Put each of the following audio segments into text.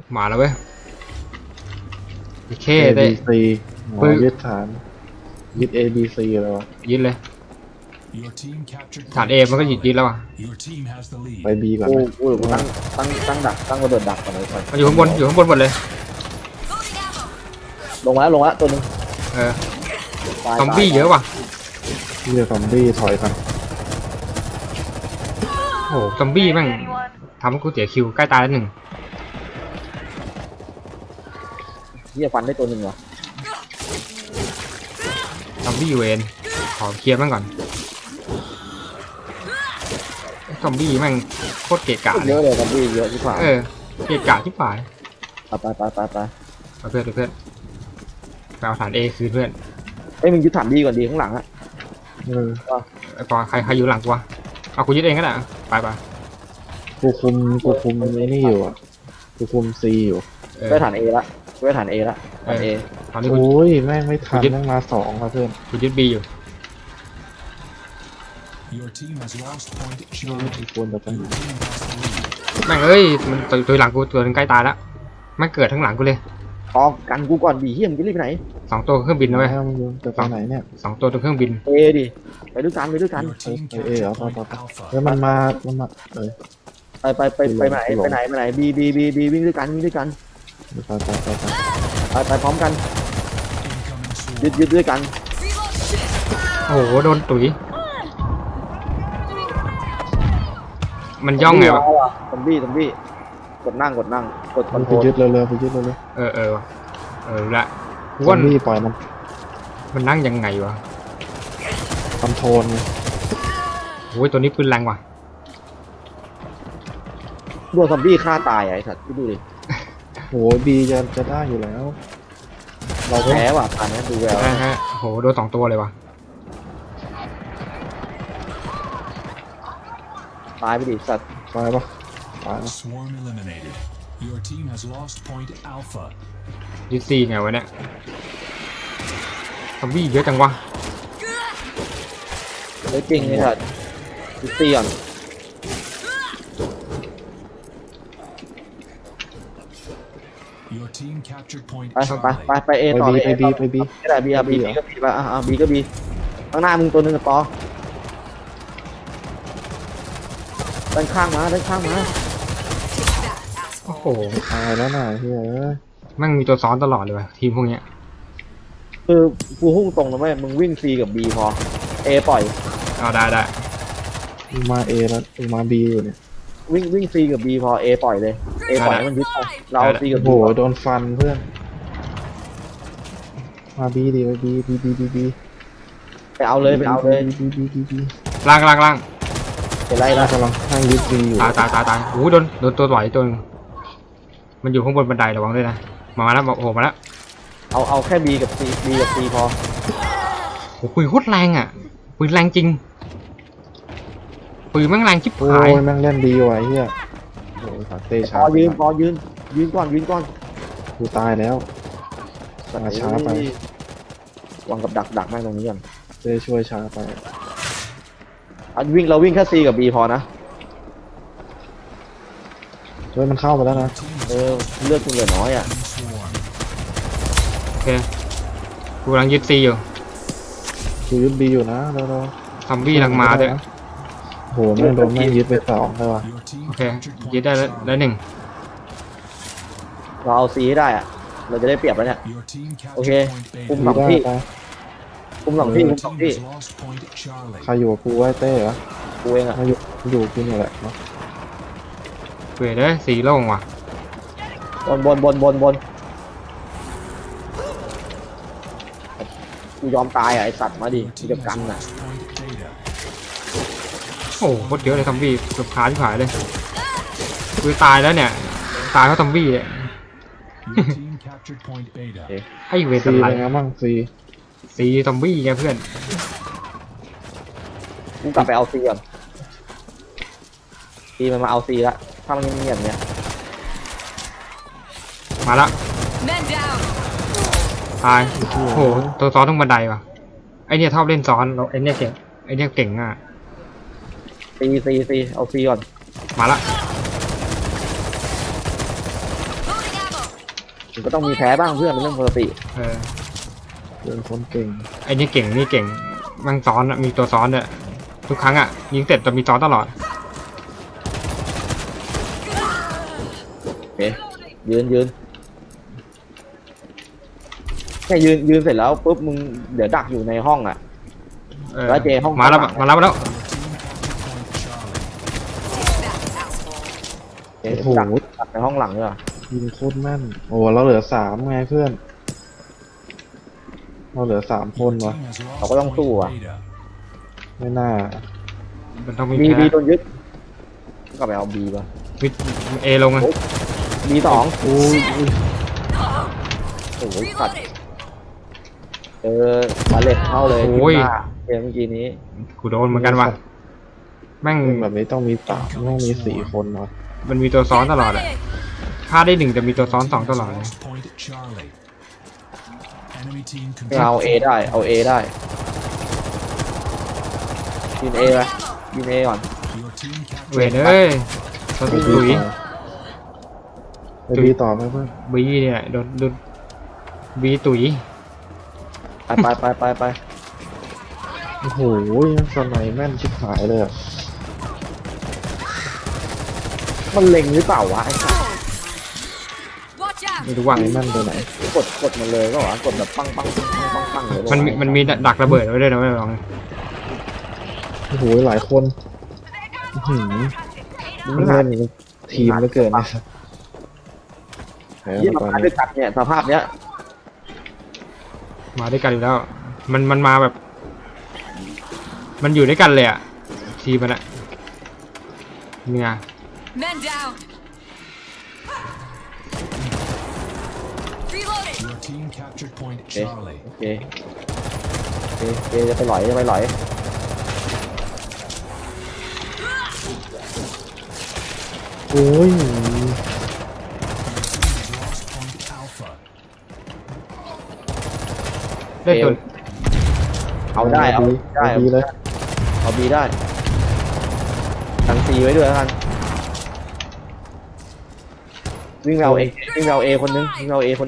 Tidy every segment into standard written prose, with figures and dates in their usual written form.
มาแล้วเว้ยโอเค A ได้ B C ยึดฐานยึด A B C แล้วยึดเลยฐาน A มันก็ยึดแล้วอ่ะไป B ก่อนกูไหมกูตั้งดักตั้งระเบิดดักก่อนเลยก่อนมันอยู่ข้างบนหมดเลยลงมาแล้วตัวนึงซอมบี้เยอะว่ะที่จะซอมบี้ถอยกันโอ้ซอมบี้แม่งทำให้กูเสียคิวใกล้ตายแล้วหนึ่งที่จะฟันได้ตัวนึงเหรอซอมบี้เวนขอเคลียร์มันก่อนซอมบี้แม่งโคตรเกะกะเลเยยอะเลยซอมบี้เยอะที่ฝ่าเกะกะที่ฝ่ายไปเพื่อนไปเอาฐาน A คืนเพื่อนเอ้ยมึงยึดฐานดีก่อนดีข้างหลังอะไอ้ปอใครอยู่หลังกูวะเอากูยึดเองก็ได้ไปกูคุมไอ้นี่อยู่อ่ะกูคุม C อยู่ได้ฐาน A ละได้ฐาน A ละฐาน A ตอนนี้กูโอ้ยแม่งไม่ทันแม่งมา2แล้วเพื่อนยึด B อยู่ควรจะเป็นแม่งเอ้ยมันตัวหลังกูตัวนึงใกล้ตายแล้วมันเกิดทั้งหลังกูเลยพอกันกูก่อนดีเฮียมึงจะรีบไปไหน 2 ตัวเครื่องบินนะเว้ยแล้วมึงจะไปไหนเนี่ย 2 ตัวเครื่องบิน A ดิไปด้วยกันไปเหรอแล้วมันมาไปไหน B วิ่งด้วยกันไปพร้อมกันยึดด้วยกันโอ้โหโดนตุ๋ยมันย่องไงวะซอมบี้กดนั่งกดคอนโทไปรลยึดเร็วไปยึดเร็วละซอมบี้ปล่อยมันมันนั่งยังไงวะคอนโทรลไงโอ้ยตัวนี้ปืนแรงว่ะโดนซอมบี้ฆ่าตายไอ้สัตว์ดูดิโหบีจะได้อยู่แล้วเราแพ้ว่ะผ่านนี้ดูแววฮะโอ้โหโดน2 ตัวเลยว่ะตายไปดิสัตว์ตายปะตายปะยึด C ไงวะเนี่ยซอมบี้เยอะจังวะเฮ้ยจริงไอ้สัตว์ดูตีก่อนไป A ต่อไปบีไม่ได้ B ก็ B ไปB ก็ B ข้างหน้ามึงตัวนึงกับปอด้านข้างมาโอ้โหตายแล้วน่ะเฮ้ยแม่งมีตัวซ้อนตลอดเลยว่ะทีมพวกเนี้ยคือกูพุ่งตรงนะแม่มึงวิ่ง C กับ B พอ A ปล่อยเอาได้มึงมา A แล้วมึงมา B อยู่เนี่ยวิ่ง C กับ B พอ A ปล่อยเลย A ปล่อยให้มันยึดไปเรา C กับ B โอ้โหโดนฟันเพื่อนมา B ดิไป B ไปเอาเลย B ล่างเป็นไรน่านะกำลังนั่งยึด B อยู่ตายโอ้โหโดนตัวไหวตัวนึงมันอยู่ข้างบนบันไดระวังด้วยนะมาแล้วโอ้โหมาแล้วเอาแค่ B กับ C พอโอ้ปืนโคตรแรงอ่ะปืนแรงจริงปืนแม่งแรงชิบโอ้หายยแม่งเล่นดีว่ะไอ้เหี้ยโอ้ยขาเตะพช้าอยืนก่อนกูตายแล้วมาช้าไปวางกับดักแม่งตรงนี้ก่อนเต้ช่วยช้าไปเราวิ่งแค่ C กับ B พอนะเฮ้ยมันเข้ามาแล้วนะเลือดคุณเหลือน้อยอ่ะโอเคกูกำลังยึด C อยู่กูยึด B อยู่นะแล้วซอมบี้กำลังมาด้วยโหแม่งโดนแม่งยึดไป2ได้ว่ะโอเคยึดได้แล้วหนึ่งเราเอา C ให้ได้อ่ะเราจะได้เปรียบแล้วเนี่ยโอเคคุมบี 2 ได้ที่ไปคุม2ที่ใครอยู่กับกูไว้เต้เหรอกูเองอ่ะมาอยู่กูนี่แหละเนาะเว้ยเลยสีโล่งว่ะบนกูยอมตายอ่ะไอสัตว์มาดิกูจะกันอ่ะโอ้โหโคตรเยอะเลยซอมบี้เกือบขาที่หายเลยคือตายแล้วเนี่ยตายเพราะซอมบี้เนี่ยไอ้เวทซีอะไรเป็นไงบ้างซีสีซอมบี้ไงเพื่อนกูกลับไปเอา C ก่อน C มันมาเอา C ละถ้ามันเงียบๆเนี่ยมาละตายโอ้โหตัวซ้อนทั้งบันไดว่ะไอเนี่ยชอบเล่นซ้อนเราไอเนี่ยเก่งอ่ะ C เอา C ก่อนมาละมันก็ต้องมีแพ้บ้างเพื่อนเป็นเรื่องปกติเออเป็นคนเก่งไอ้นี่เก่งนี่เก่งมันซ้อนอะมีตัวซ้อนด้วยทุกครั้งอะยิงเสร็จจะมีซ้อนตลอดโอเคยืนแค่ยืนเสร็จแล้วปุ๊บมึงเดี๋ยวดักอยู่ในห้องอ่ะเออแล้วเจห้องมาแล้วข้างหลังมาแล้วเจดักในห้องหลังด้วยยิงโคตรแม่นโอ้เราเหลือ3ไงเพื่อนเราเหลือ3คนวะเราก็ต้องสู้อ่ะไม่น่ามันต้องมีบีแพ้โดนยึดก็ไปเอาบีป่ะวิเอลงเลยบี2 โอ้ยโอ้ยสัตว์บาเลตเข้าเลยขึ้นมาเกมเมื่อกี้นี้กูโดนเหมือนกันว่ะแม่งแบบนี้ต้องมี3ต้องมี4คนวะมันมีตัวซ้อนตลอดอะฆ่าได้1แต่มีตัวซ้อน2ตลอดเลยเอาเอได้เอาเอได้ยิงเอไปยิงเอก่อนเวทเอ้ยสตุยไปบีต่อไหมเพื่อนบีเนี่ยโดนบีตุ๋ยไปโอ้โหสไนแม่นชิบหายเลยอะมันเล็งหรือเปล่าวะไอ้สัสไม่รู้ว่าสไนแม่นตัวไหนกดมันเลยก็วะกดแบบปังเลยมันมีดักระเบิดไว้ด้วยนะไม่ลองโอ้โหหลายคนอื้อหือมันเล่นทีมเหลือเกินนะครับแพ้ยี่มามาตอนด้วยนี้กันเนี่ยสภาพเนี้ยมาด้วยกันอยู่แล้ว มันมาแบบ มันอยู่ด้วยกันเลยอะทีมันอะเนี่ย Men down. Reloading. Your team captured point โอเค Charlie. โอเคจะไปหลอยโอ้ย Lost point Alpha. ได้ตัวเอาได้เอาบีเลยเอาบีได้ตั้งซีไว้ด้วยแล้วกันวิ่งเราเอคนนึง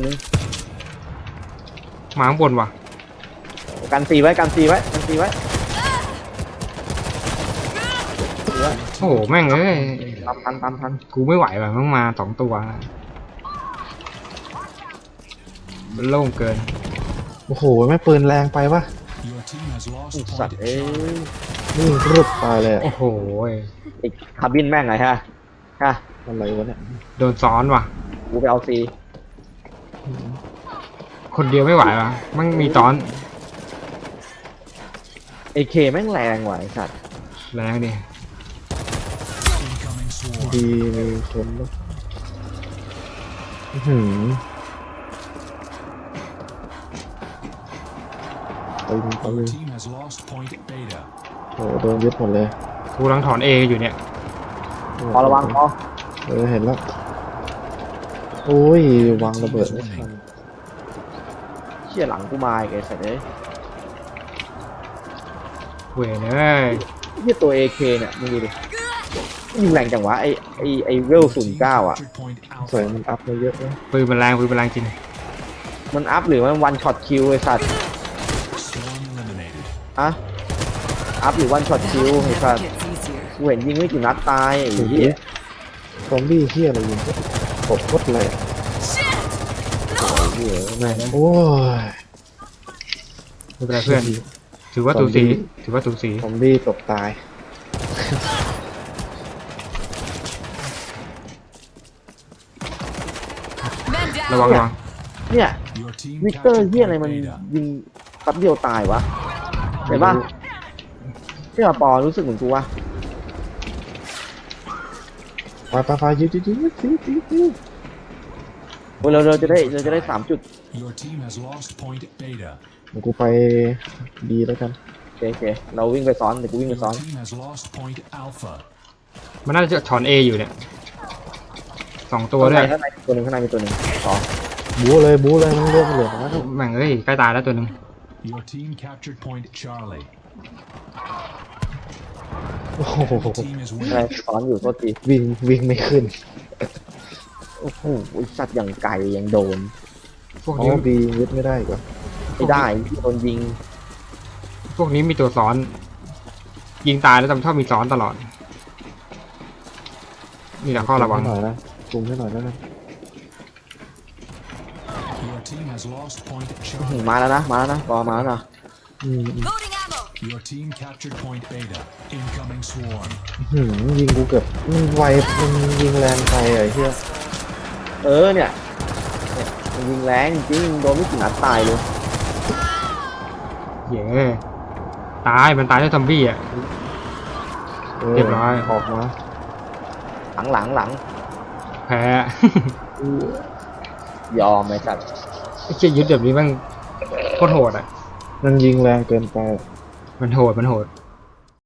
มาข้างบนว่ะกันซีไว้โอ้โหแม่งเอ้ยทันกูไม่ไหวว่ะต้องมา2ตัวมันโล่งเกินโอ้โหแม่ปืนแรงไปปะ Your team has lost สัตว์ point เอ้ย Charlie. นี่รึบตายเลยอะโอ้โหอีกคาร์บินแม่งไงฮะอะไรวะเนี่ยโดนซ้อนว่ะกูไปเอาซีคนเดียวไม่ไหวว่ะมันมีซ้อนเอเคแม่งแรงว่ะไอ้สัตว์แรงดิ Incoming swarm. ดีมีคนปะอื้อหือปืน Your team has lost point Beta. โอ้โหโดนยึดหมดเลยกูกำลังถอนเออยู่เนี่ยพอระวังพอเห็นแล้ว โอ้ยวางระเบิดไม่ทันเชี่ยหลังกูมาอีกไอ้สัตว์เอ้ยเว้ยเอ้ยที่ตัว AK เนี่ยมึงดูดิยิงแรงจังวะไอเวล Your team 09 อ่ะ captured point ใส่ Alpha. มันอัพมาเยอะนะปืนมันแรงจริงมันอัพหรือมันวันช็อตคิวไอสัตว์ Swarm eliminated. อะอัพหรือวันช็อตคิวไอสัตว์ Gets easier. กูเห็นยิงไม่กี่นัดตายไอ้เหี้ยซอมบี้เฮียอะไรยิงตบโคตรเลย Shit. เหี้ยแม่งโอ้ยไม่เป็นไรเพื่อน ถือว่าตูสีซอมบี้ตบตาย Men down. ระวังเนี่ย Your team วิกเตอร์ captured เหี้ยอะไร point มัน Beta. ยิงแป๊บเดียวตายวะเห็นปะเชื่อปอรู้สึกเหมือนกูวะไปยืดเราจะได้3 จุด Your team has lost point Beta. เดี๋ยวกูไปดีแล้วกันโอเคเราวิ่งไปซ้อนเดี๋ยวกูวิ่งไป Your ซ้อน team has lost point Alpha. มันน่าจะถอนเออยู่เนี่ย2ตัวด้วยข้างในมีตัวหนึ่งต่อบู๊เลยมันเลือกเหลือนะแม่งเอ้ยใกล้ตายแล้วตัวหนึง Your team captured point Charlie. โอ้โห Your team is อะไร winning. ซ้อนอยู่โทษทีวิ่งไม่ขึ้นโอ้โหไอ้สัตว์อย่างไก่ยังโดนพวกอ๋อนี้บียึดไม่ได้อีกเหรอไม่ได้โดนยิงพวกนี้มีตัวซ้อน ยิงตายแล้วจำชอบมีซ้อนตลอด นี่แหละข้อระวังให้หน่อยนะคุมให้หน่อยนะ Your team has lost point หืม Charlie. มาแล้วนะรอมาแล้วนะ Loading ammo. Your team captured point Beta. Incoming swarm. ยิงกูเกือบมันไวมันยิงแรงไปไอ้เหี้ยเนี่ยมันยิงแรงจริงโดนไม่ถึงนัดตายเลยเย้ตายมันตายด้วยซอมบี้อ่ะ เรียบร้อยออกมาหลังแพ้ยอมไอ้สัตว์ไอ้เชี่ยยึดแบบนี้มันโคตรโหดอ่ะมันยิงแรงเกินไปมันโหด